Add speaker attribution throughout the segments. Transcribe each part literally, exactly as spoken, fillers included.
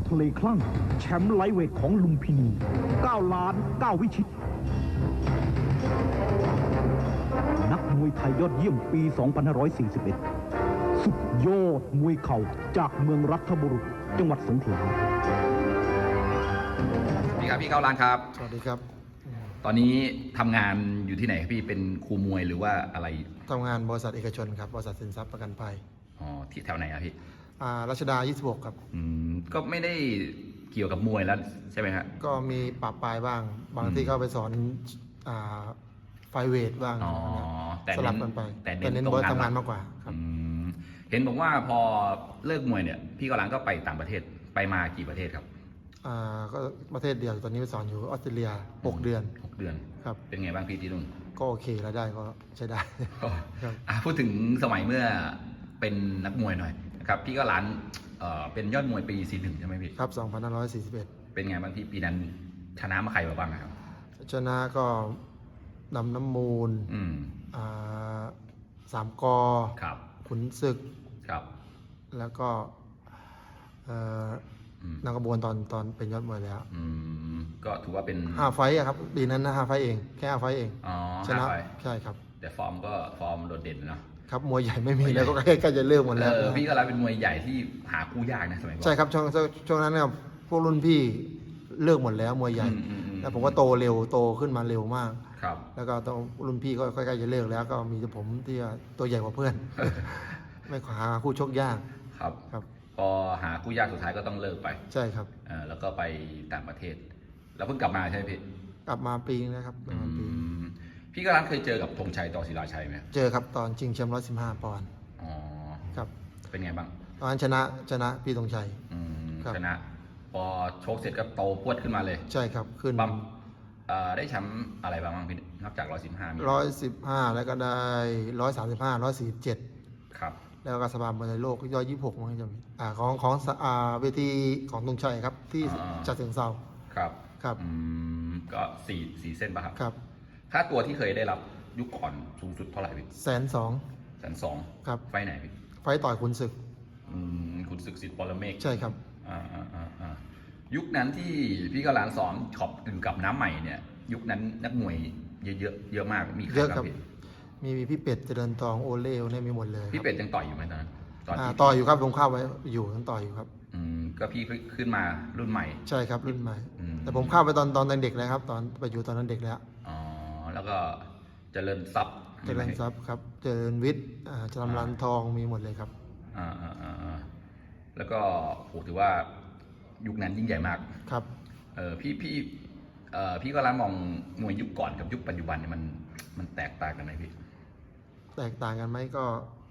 Speaker 1: ทะเลคลั่งแชมป์ไลท์เวทของลุมพินีเก้าล้านเก้าวิชิตนักมวยไทยยอดเยี่ยมปี สองพันห้าร้อยสี่สิบเอ็ด สุดยอดมวยเข่าจากเมืองรัฐบุรุษจังหวัดสงขลา
Speaker 2: สวัสดีครับพี่เข้าร้านครับ
Speaker 3: สวัสดีครับ
Speaker 2: ตอนนี้ทำงานอยู่ที่ไหนครับพี่เป็นครูมวยหรือว่าอะไร
Speaker 3: ทำงานบริษัทเอกชนครับบริษัทสินทรัพย์ประกันภัย
Speaker 2: อ๋อที่แถวไหนครับพี่
Speaker 3: อ่ารัชดายี่สิบหกครับ
Speaker 2: อืมก็ไม่ได้เกี่ยวกับมวยแล้วใช่ไหมครับ
Speaker 3: ก็มีปรับปลายบ้างบางที่ก็ไปสอนอ่าไฟเวทบ้าง
Speaker 2: อ๋อแต่
Speaker 3: สลับกันไป
Speaker 2: แต่
Speaker 3: เน้นบริษัททำงานมากกว่าครับ
Speaker 2: เห็นบอกว่าพอเลิกมวยเนี่ยพี่กำลังก็ไปต่างประเทศไปมากี่ประเทศครับ
Speaker 3: อ่าก็ประเทศเดียวตอนนี้ไปสอนอยู่ออสเตรเลียหกเดือน
Speaker 2: หกเดือน
Speaker 3: ครับ
Speaker 2: เป็นไงบ้างพี่ที่นู่น
Speaker 3: ก็โอเครายได้ก็ใช้ได้
Speaker 2: ครับพูดถึงสมัยเมื่อเป็นนักมวยหน่อยนะครับพี่ก็ร้านเอ่อเป็นยอดมวยปีสี่สิบเอ็ดใช่ไหมพี่
Speaker 3: ครับสองพันห้าร้อยสี่สิบเอ็ด
Speaker 2: เป็นไงบ้างพี่ปีนั้นชนะมาใครมาบ้างครับ
Speaker 3: ชนะก็นำน้ำมูล
Speaker 2: อืม
Speaker 3: อ่าสามกอ
Speaker 2: ครับ
Speaker 3: ขุนศึก
Speaker 2: ครับ
Speaker 3: แล้วก็เอ่อนักกระบวนตอนตอนเป็นยอดมวยแล้ว
Speaker 2: อืมก็ถือว่าเป็น
Speaker 3: ห้าไฟต์ครับปีนั้นนะห้าไฟต์เองแค่ห้าไฟต์เอง
Speaker 2: อ๋อ
Speaker 3: ชนะใช่ครับ
Speaker 2: แต่ฟอร์มก็ฟอร์มโดดเด่นเนาะ
Speaker 3: ครับมวยใหญ่ไม่มีแล้วก็ใกล้ๆจะเลิกหมดแล้ว
Speaker 2: พี่ก็รับเป็นมวยใหญ่ที่หาคู่ยากนะสมัยก่อน
Speaker 3: ใช่ครับช่วงช่วงนั้นเนี่ยพวกรุ่นพี่เลิกหมดแล้วมวยใหญ่แล้วผมก็โตเร็วโตขึ้นมาเร็วมาก
Speaker 2: ครับ
Speaker 3: แล้วก็ต้องรุ่นพี่ก็ใกล้ๆจะเลิกแล้วก็มีแต่ผมที่ตัวใหญ่กว่าเพื่อนไม่หาคู่ชกยาก
Speaker 2: ครับครับพอหาคู่ยากสุดท้ายก็ต้องเลิกไป
Speaker 3: ใช่ครับ
Speaker 2: อ่าแล้วก็ไปต่างประเทศแล้วเพิ่งกลับมาใช่ไหมพี่
Speaker 3: กลับมาปีนึงนะครับประมาณปี
Speaker 2: พี่ก็ร้านเคยเจอกับธงชัยต่อศิลาชัยไหม
Speaker 3: เจอครับตอนชิงแชมป์ร้อยสิบห้าปอนด์
Speaker 2: อ๋อ
Speaker 3: ครับ
Speaker 2: เป็นไงบ้าง
Speaker 3: ตอนนั้นชนะชนะพี่ธงชัย
Speaker 2: ชนะพอโชคเสร็จก็โตพวดขึ้นมาเลย
Speaker 3: ใช่ครับขึ้น
Speaker 2: บัมได้แชมป์อะไรบ้างพี่นอกจากร้อยสิบห้า
Speaker 3: ร้อยสิบห้าแล้วก็ได้ร้อยสามสิบห้าร้อยสี่สิบเจ็ด
Speaker 2: ครับ
Speaker 3: แล้วก็สภามวยโลกย่อยยี่สิบหกมั้งจำอ่าของของอ่าเวทีของธงชัยครับที่จัดเสียงเซา
Speaker 2: ครับ
Speaker 3: ครับ
Speaker 2: อืมก็สี่สี่เส้นป่ะครับ
Speaker 3: ครับ
Speaker 2: ค่าตัวที่เคยได้รับยุคก่อนสูงสุดเท่าไหร่พี่
Speaker 3: แสนสอง
Speaker 2: แสนสอง
Speaker 3: ครับ
Speaker 2: ไฟไหนพี่
Speaker 3: ไฟต่อยขุนศึก
Speaker 2: อืมขุนศึกสิทธิ์ปรเมฆ
Speaker 3: ใช่ครับ
Speaker 2: อ่าอ่าอ่าอ่ายุคนั้นที่พี่กำลังสอนขอบถึงกับน้ำใหม่เนี่ยยุคนั้นนักมวยเยอะเยอะเยอะมากมีใครบ้างพี่
Speaker 3: มีมีพี่เป็ดเจริญทองโอเล่เนี่ยมีหมดเลย
Speaker 2: พี่เป็ดยังต่อยอยู่ไหมตอนนั้น
Speaker 3: ตอนต่อยอยู่ครับลงข้าวไว้อยู่ยังต่อยอยู่ครับ
Speaker 2: อืมก็พี่ขึ้นมารุ่นใหม่
Speaker 3: ใช่ครับรุ่นใหม่แต่ผมเข้าไปตอนตอนเด็กแล้วครับตอนไปอยู่ตอนนั้นเด็กแล้ว
Speaker 2: อ๋อแล้วก็เจริญทรัพย์
Speaker 3: เจริญทรัพย์ครับเจริญวิทย์อ่าจำรันทองมีหมดเลยครับ
Speaker 2: อ่าอ่าอ่าแล้วก็โหถือว่ายุคนั้นยิ่งใหญ่มาก
Speaker 3: ครับ
Speaker 2: เออพี่พี่เอ่อพี่ก็ร้านมองมวยยุคก่อนกับยุคปัจจุบันเนี่ยมันมันแตกต่างกันไหมพี่
Speaker 3: แตกต่างกันไหมก็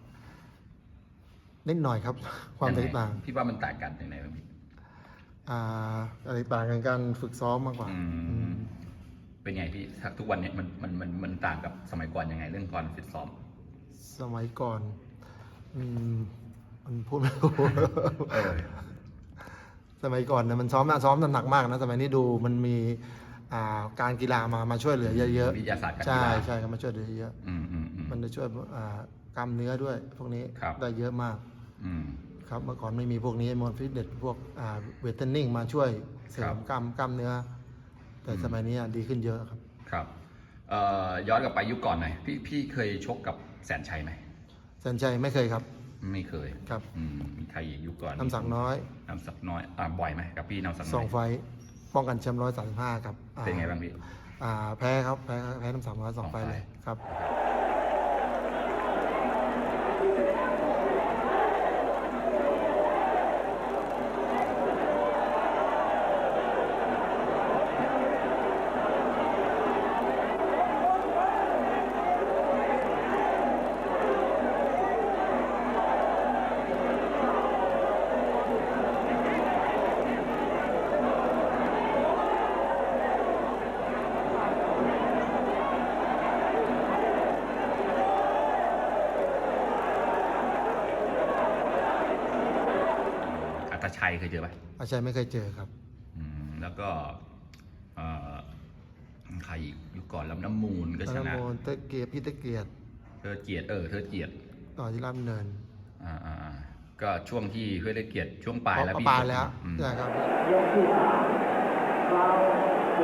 Speaker 3: นิดหน่อยครับความแตกต่าง
Speaker 2: พี่ว่ามันแตกกันอย่างไรบ้างพี่
Speaker 3: อ่าแตกต่างกันการฝึกซ้อมมากกว่า
Speaker 2: เป็นไงพี่ทุกวันนี้มันมันมันมันต่างกับสมัยก่อนยังไงเรื่องการฝึกซ้อม
Speaker 3: สมัยก่อนอืมมันพูดไม่ถูกสมัยก่อนเนี่ยมันซ้อมนะซ้อมหนักมากนะสมัยนี้ดูมันมีการกีฬามามาช่วยเหลือเยอะ
Speaker 2: ๆวิทยาศาสตร์การ
Speaker 3: กีฬาใช่ใช่ครับมาช่วยเหลือเยอะมันจะช่วยกล้ามเนื้อด้วยพวกนี้ได้เยอะมากครับเมื่อก่อนไม่มีพวกนี้มอนฟิตเนสพวกเวทเทรนนิ่งมาช่วยเสริมกล้ามกล้ามเนื้อแต่สมัยนี้ดีขึ้นเยอะครับ
Speaker 2: ครับย้อนกลับไปยุคก่อนหน่อยพี่พี่เคยชกกับแสนชัยไหม
Speaker 3: แสนชัยไม่เคยครับ
Speaker 2: ไม่เคย
Speaker 3: ครับ
Speaker 2: มีใครอีกยุคก่อน
Speaker 3: น้ำสักน้อย
Speaker 2: น้ำสักน้อยอ่าบ่อยไหมกับพี่น้ำสักน้อย
Speaker 3: สองไฟป้องกันแชมป์ร้อยสามสิบห้าครับ
Speaker 2: เป็นไงบ้างพี่
Speaker 3: แพ้ครับแพ้แพ้น้ำสักน้อยสองไฟเลยครับ
Speaker 2: อาชัยเคยเจอไหม
Speaker 3: อาชัยไม่เคยเจอครับ
Speaker 2: อืมแล้วก็ใครอีกยุคก่อนลำน้ำมูลก็ชนะ
Speaker 3: ลำน้ำมูลเตเกียรติพี่เตเกียรติ
Speaker 2: เธอเกียรติเออเธอเกียรติ
Speaker 3: ต่อที่ราบเนิน
Speaker 2: อ่าอ่าก็ช่วงที่เพื่อได้เกียรติช่วงปลายแล้วพี่
Speaker 3: ปลายแล้ว
Speaker 2: อืม
Speaker 3: ใช่ครับ
Speaker 4: ยกที่สามฟาวล์สี่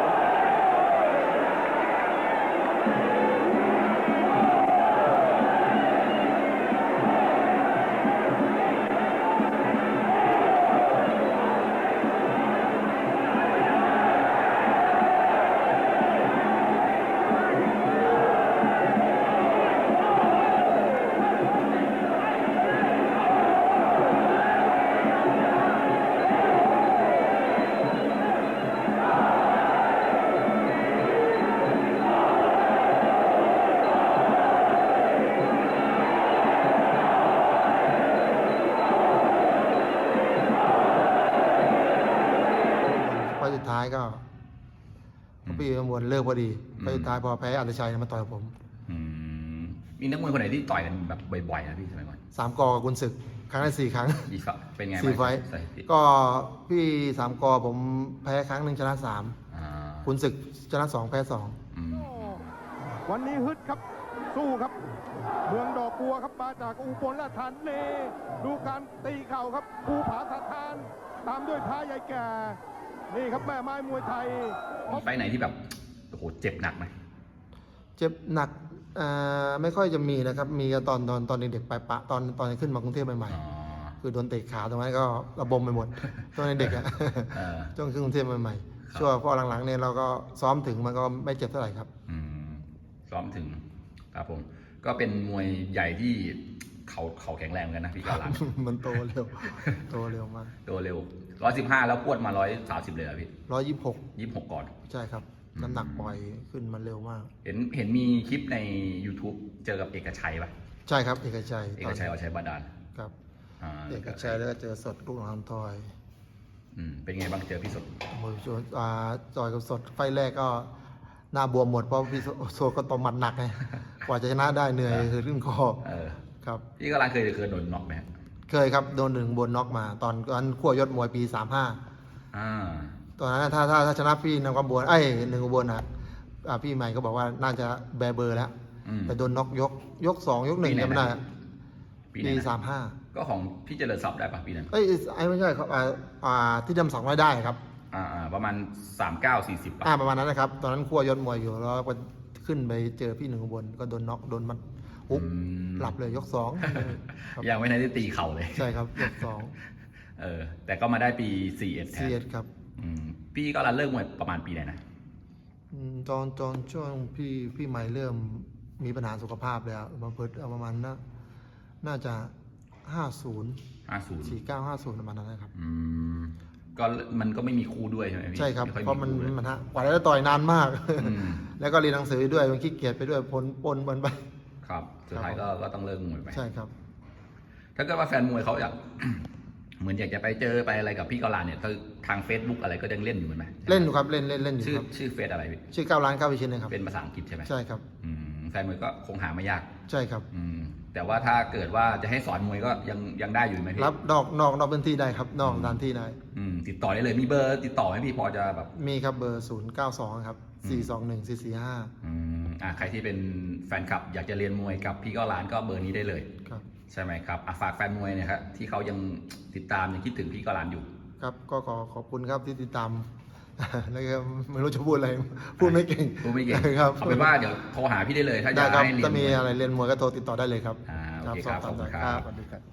Speaker 3: ไฟล์สุดท้ายก็พี่ประมวลเลิกพอดีไฟล์สุดท้ายพอแพ้อันตชัยมาต่อยผม
Speaker 2: อืมมีนักมวยคนไหนที่ต่อยกันแบบบ่อยๆนะพี่สมัยก่อน
Speaker 3: สามกอกับกุนศึก ครั้งละสี่ครั้ง
Speaker 2: อีกฝั่งเป็นไง
Speaker 3: สี่ไฟท์
Speaker 2: สถิติ
Speaker 3: ก็พี่สามกอผมแพ้ครั้งหนึ่งชนะสาม
Speaker 2: อ่า
Speaker 3: กุนศึกชนะสองแพ้สอง
Speaker 2: อืม
Speaker 5: วันนี้ฮึดครับสู้ครับ เมืองดอกบัวครับมาจากอุบลราชธานีดูการตีเข่าครับภูผาสะทาน ตามด้วยท้าใหญ่แก่ นี่ครับแม่ไม้มวยไทย
Speaker 2: มีไฟท์ไหนที่แบบโอ้โหเจ็บหนักไหม
Speaker 3: เจ็บหนักอ่าไม่ค่อยจะมีนะครับ มีก็ตอนตอนตอนเด็กๆไปปะตอนตอนขึ้นมากรุงเทพใหม่
Speaker 2: อ๋อ
Speaker 3: ๆ คือโดนเตะขาตรงนั้นก็ระบมไปหมด ตอนเด็กๆอะ
Speaker 2: เออ
Speaker 3: ช่วงขึ้นกรุงเทพใหม่
Speaker 2: ครับ
Speaker 3: ๆช่วงพอหลังๆเนี่ยเราก็ซ้อมถึงมันก็ไม่เจ็บเท่าไหร่ครับ
Speaker 2: อืมซ้อมถึงครับผม ก็เป็นมวยใหญ่ที่เขาเขาแข็งแรงเหมือนกันนะพี่กาลัน
Speaker 3: มันโตเร็ว โตเร็วมาก
Speaker 2: ตัวเร็วร้อยสิบห้าแล้วพวดมาร้อยสามสิบเลยเหรอพี่
Speaker 3: ร้อยยี่สิบหก
Speaker 2: ยี่สิบหกก่อน
Speaker 3: ใช่ครับ
Speaker 2: อืม
Speaker 3: น้ำหนักปล่อยขึ้นมันเร็วมาก
Speaker 2: เห็นเห็นมีคลิปใน YouTube เจอกับเอกชัยป่ะ
Speaker 3: ใช่ครับ เอกชัย
Speaker 2: เอกชัยเอาชัยบาดาล
Speaker 3: ครับ
Speaker 2: อ่า
Speaker 3: เอกชัยแล้วก็เจอสดลูกหลานทอย
Speaker 2: อืมเป็นไงบ้างเจอพี่สด
Speaker 3: มวยชนอ่าจอยกับสดไฟแรกก็หน้าบวมหมดเพราะพี่โซก็ตบหมัดหนักไง กว่าจะชนะได้เหนื่อยคือขึ้นคอ
Speaker 2: เออ
Speaker 3: ครับ
Speaker 2: พี่กาลันเคยเคยโดนน็อกไหมฮะ
Speaker 3: เคยครับโดนหนึ่งบนน็อกมา ตอนตอนขั้วยศมวยปีสามห้า
Speaker 2: อ่า
Speaker 3: ตอนนั้นถ้าถ้าถ้าชนะพี่นำความบวนไอ้ยหนึ่งอุบลนะอ่าพี่ใหม่ก็บอกว่าน่าจะแบร์เบอร์แล้ว
Speaker 2: อืม
Speaker 3: แต่โดนน็อกยกยกสองยกหนึ่ง
Speaker 2: ปีไหน
Speaker 3: จำไม่ได้
Speaker 2: นะ ปีไหน
Speaker 3: ปี
Speaker 2: นะ
Speaker 3: สามห้า
Speaker 2: ก็ของพี่เจริญทรัพย์ได้ป่ะปีนั้น
Speaker 3: เอ้ยไอ้ไม่ใช่ครับอ่าอ่าที่จำสองไม่ได้ครับ
Speaker 2: อ่าอ่าประมาณสามเก้าสี่สิบป่ะ
Speaker 3: อ่าประมาณนั้นนะครับ ตอนนั้นขั้วยศมวยอยู่แล้วก็ขึ้นไปเจอพี่หนึ่งอุบลก็โดนน็อกโดนมันปุ๊บ
Speaker 2: อืม
Speaker 3: หลับเลยยกสองครับ
Speaker 2: ยังไม่ทันได้ตีเข่าเลย
Speaker 3: ใช่ครับยกสอง
Speaker 2: เออ แต่ก็มาได้ปีสี่เอ็ดแท
Speaker 3: ซี
Speaker 2: น
Speaker 3: เอสครับ
Speaker 2: อืมพี่ก็รันเลิกมวยประมาณปีไหนนะ
Speaker 3: อืมตอนตอนช่วงพี่พี่ใหม่เริ่มมีปัญหาสุขภาพแล้วมาเพิดเอาประมาณน่าน่าจะห้าศูนย์
Speaker 2: ห้าศูนย์
Speaker 3: สี่เก้าห้าศูนย์ประมาณนั้นนะครับ
Speaker 2: อืมก็มันก็ไม่มีคู่ด้วยใช่ไหมพี่
Speaker 3: ใช่ครับ
Speaker 2: ไค่อย
Speaker 3: เพราะมัน
Speaker 2: คู่ด้วย
Speaker 3: มันฮะกว่าจะได้ต่อยนานมาก
Speaker 2: อืม
Speaker 3: แล้วก็เรียนหนังสือด้วยมันขี้เกียจไปด้วยปนปนปนไป
Speaker 2: ครับ สุดท้ายก็ก็ต้องเลิกมวยไป
Speaker 3: ใช่ครับ
Speaker 2: ถ้าเกิดว่าแฟนมวยเขาอยาก เหมือนอยากจะไปเจอไปอะไรกับพี่กอลานเนี่ยทาง Facebook อะไรก็ยังเล่นอยู่ไหม
Speaker 3: เล่นอยู่ครับเล่นเล่นเล่นอยู่
Speaker 2: ชื่อ
Speaker 3: ครับ
Speaker 2: ชื่อเฟซอะไรพี่
Speaker 3: ชื่อเก้าล้านเก้าวิชินนะครับ
Speaker 2: เป็นภาษาอังกฤษใช่ไหม
Speaker 3: ใช่ครับ
Speaker 2: อืมแฟนมวยก็คงหาไม่ยาก
Speaker 3: ใช่ครับ
Speaker 2: อืมแต่ว่าถ้าเกิดว่าจะให้สอนมวยก็ยังยังได้อยู่ไหมพี่
Speaker 3: รับนอกนอกนอกพื้นที่ได้ครับ นอกสถานที่ได้
Speaker 2: อืมติดต่อได้เลยมีเบอร์ติดต่อไหมพี่พอจะแบบ
Speaker 3: มีครับเบอร์ศูนย์เก้าสองครับสี่สองหนึ่งสี่สี่ห้า
Speaker 2: อืมอ่าใครที่เป็นแฟนคลับ อยากจะเรียนมวยกับพี่ก็ร้านก็เบอร์นี้ได้เลย
Speaker 3: ครับ
Speaker 2: ใช่ไหมครับอ่ะฝากแฟนมวยเนี่ยครับที่เขายังติดตามยังคิดถึงพี่ก็ร้านอยู่
Speaker 3: ครับก็ขอขอบคุณครับที่ติดตาม แล้วก็ไม่รู้จะพูดอะไร พูดไม่เก่ง
Speaker 2: พูดไม่เก่ง
Speaker 3: ครับ
Speaker 2: เอาเป็นว่าเดี๋ยวโทรหาพี่ได้เลย ถ้าอ
Speaker 3: ได้
Speaker 2: ยาก
Speaker 3: ครับ
Speaker 2: ให้เรียน
Speaker 3: ถ้าม มี
Speaker 2: วย
Speaker 3: อะไรเรียนมวยก็โทรติดต่อได้เลยครับ
Speaker 2: อ่าโอเคครับ
Speaker 3: สอบถาม
Speaker 2: ขอบคุณ
Speaker 3: ได้
Speaker 2: ครับ
Speaker 3: สวัสดีครับ